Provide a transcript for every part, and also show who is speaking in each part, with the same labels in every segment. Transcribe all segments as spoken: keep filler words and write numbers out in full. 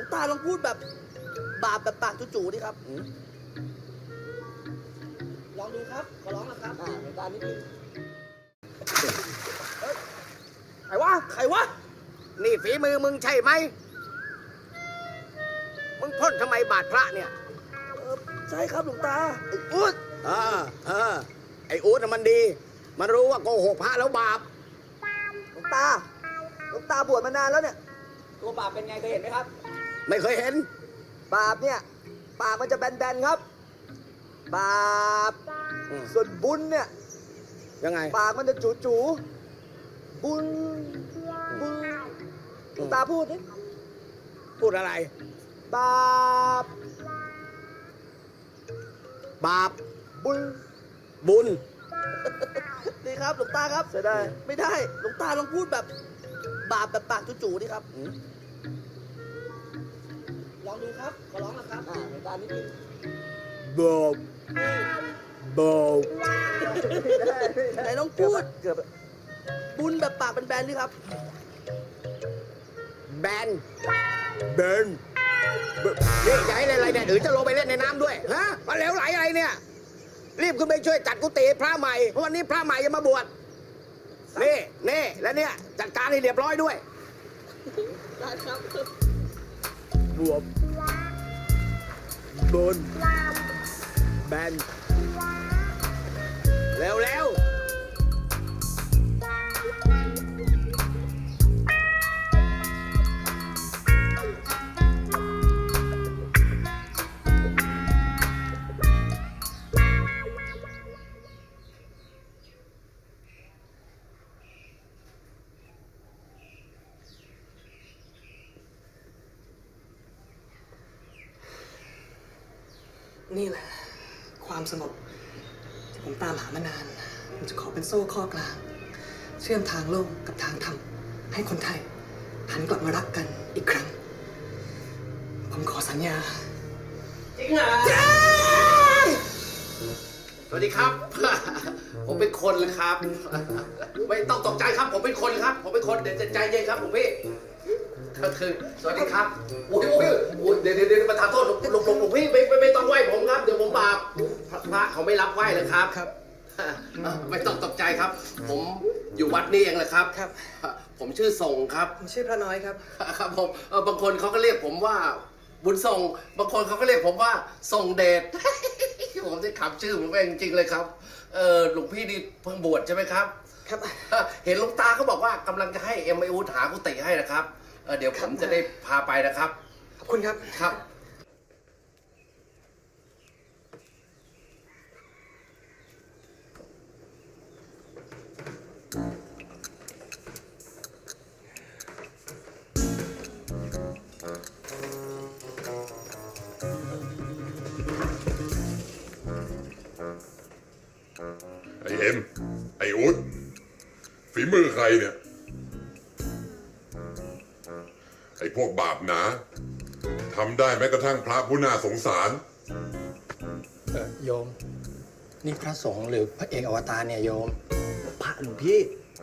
Speaker 1: ตาลองพูดแบบบาปแบบปากจู่ๆดิครับลองดูครับขอร้องนะครับอ่าในตานิดนึงเฮ้ยใครวะใครวะนี่ฝีมือมึงใช่ไหมมึงพ่นทำไมบาดพระเนี่ยเออใช่ครับหลวงตาไอ้อู๊ดเออเออไอ้อู๊ดน่ะมันดีมันรู้ว่าโกหกพระแล้วบาปหลวงตาหลวงตาบวชมานานแล้วเนี่ยตัวบาปเป็นไงเคยเห็นไหมครับไม่เคยเห็นบาปเนี่ยปากมันจะแบนๆครับบาปส่วนบุญเนี่ยยังไงปากมันจะจู๋ๆบุญบุญหลวงตาพูดดิพูดอะไรบาปบาปบุญบุญดีครับหลวงตาครับจะได้ไม่ได้หลวงตาลองพูดแบบบาปแบบปากจู่ๆดิครับลองดูครับขอร้องนะครับอ่าหลวงตานิดนึงบาปบาปไหนลองพูดเกือบบุญแบบปากเป็นแบนดิครับแบนแบนนี่ใหญ่อะไรเนี่ยหรือจะลงไปเล่นในน้ำด้วยฮะมาเหลวไหลอะไรเนี่ยรีบขึ้นไปช่วยจัดกุฏิพระใหม่เพราะวันนี้พระใหม่จะมาบวชนี่นี่แล้วเนี่ยจัดการให้เรียบร้อยด้วยได้ครับบวชบนแบนเร็วเร็ว
Speaker 2: นี่แหละความสงบที่ผมตามหามานานผมจะขอเป็นโซ่ข้อกลางเชื่อมทางโลกกับทางธรรมให้คนไทยหันกลับมารักกันอีกครั้งผมขอสัญญาจริงเหรอ
Speaker 3: สวัสดีครับ ผมเป็นคนเลยครับ ไม่ต้องตกใจครับผมเป็นคนครับผมเป็นคนเดี๋ยวใจเย็นครับผมพี่ก็คือสวัสดีครับโอ้ยโอ้ยโอ้ยเดี๋ยวเดี๋ยวมาทำโทษหลวงหลวงหลวงพี่ไม่ไม่ไม่ต้องไหว้ผมครับเดี๋ยวผมบาปพระเขาไม่รับไหว้เลยครับครับไม่ต้องตกใจครับ ผมอยู่วัดนี่เองแหละครับครับ ผมชื่อทรงครับ
Speaker 2: ผมชื่อพระน้อยครับ
Speaker 3: ครับผมบางคนเขาก็เรียกผมว่าบุญทรงบางคนเขาก็เรียกผมว่าทรงเดชผมได้ขับชื่อผมเองจริงๆเลยครับเออหลวงพี่นี่เพิ่งบวชใช่ไหมครับ
Speaker 2: ครับ
Speaker 3: เห็นหลวงตาเขาบอกว่ากำลังจะให้เอ็มไออูหากุฏิให้นะครับเดี๋ยวผมจะได้พาไปนะครับ
Speaker 2: ขอบคุณครับ
Speaker 3: ครับ
Speaker 4: ไอเอ็มไออุ๊ดฝีมือใครเนี่ยไอพวกบาปหนาทำได้แม้กระทั่งพระผู้น่าสงสาร
Speaker 2: เออโยมนี่พระสงฆ์หรือพระเอกอวตารเนี่ยโยม
Speaker 1: พระหลวงพี่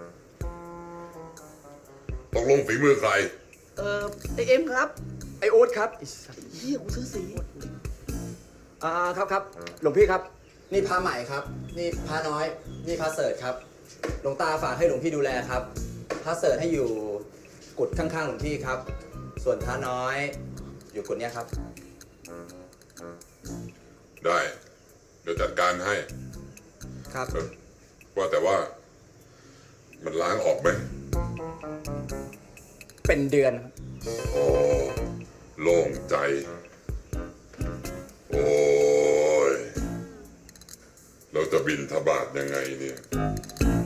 Speaker 4: ตกลงฝีมือใคร
Speaker 1: เออไอเอ็มครับ
Speaker 2: ไอโอ๊ตครับ
Speaker 1: เฮียกูซื้อสี
Speaker 2: อ่าครับครับหลวงพี่ครับนี่พระใหม่ครับนี่พระน้อยนี่พระเสริฐครับหลวงตาฝากให้หลวงพี่ดูแลครับพระเสริฐให้อยู่กุฏข้างๆหลวงพี่ครับส่วนพระน้อยอยู่กุฏเนี้ยครับ
Speaker 4: ได้เดี๋ยวจัดการให้
Speaker 2: ครับ
Speaker 4: ว่าแต่ว่ามันล้างออกไหม
Speaker 2: เป็นเดือนครับ
Speaker 4: โอ้โล่งใจโอ้ยเราจะบินทบาทยังไงเนี่ย